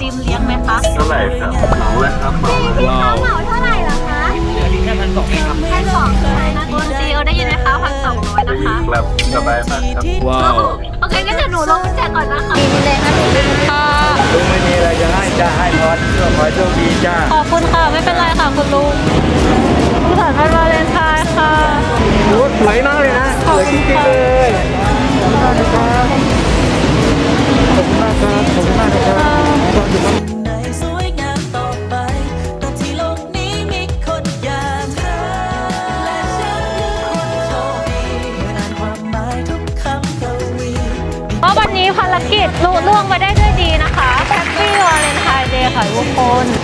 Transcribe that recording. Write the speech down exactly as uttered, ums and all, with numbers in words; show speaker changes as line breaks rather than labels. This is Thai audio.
ติมเลี้ยงไหมคะ
เท่าไหร่ครับเหมาเลยครับเหมาเลย
ว้าวเหมาเท่าไหร่ล่ะคะเดือนนี้แค่พันสองเองครับพันสองเลยนะคุณซีเอได้ยินไหมคะพันสองร้อยนะคะ
ครับสบายมากครับ
ว้าว
โอเคงั้นเดี๋ยวหนูลงกุญแจก่อนนะคะมีเลยนะหนูลืมค่ะ
ลุงไม่มีอะไรจะให้จ้าให้พรเพื่อขอให้โชคดีจ้า
ขอบคุณค่ะไม่เป็นไรค่ะคุณลุงสุขสันต์วันวาเลนไทน์ค่ะ
โอ้สวยมากเลยนะสวยจริงๆเลยขอบคุณมากครับขอบคุณมากครับขอบคุณมากครับ
สวยงามต่อไปแต่ที่โลกนี้มีคนอย่างเธอและฉันคือคนโชคดีอ่านความหมายทุกคำกวี
เพราะวันนี้ภารกิจลุล่วงไปได้ด้วยดีนะคะแฮปปี้วาเลนไทน์เดย์ค่ะทุกคน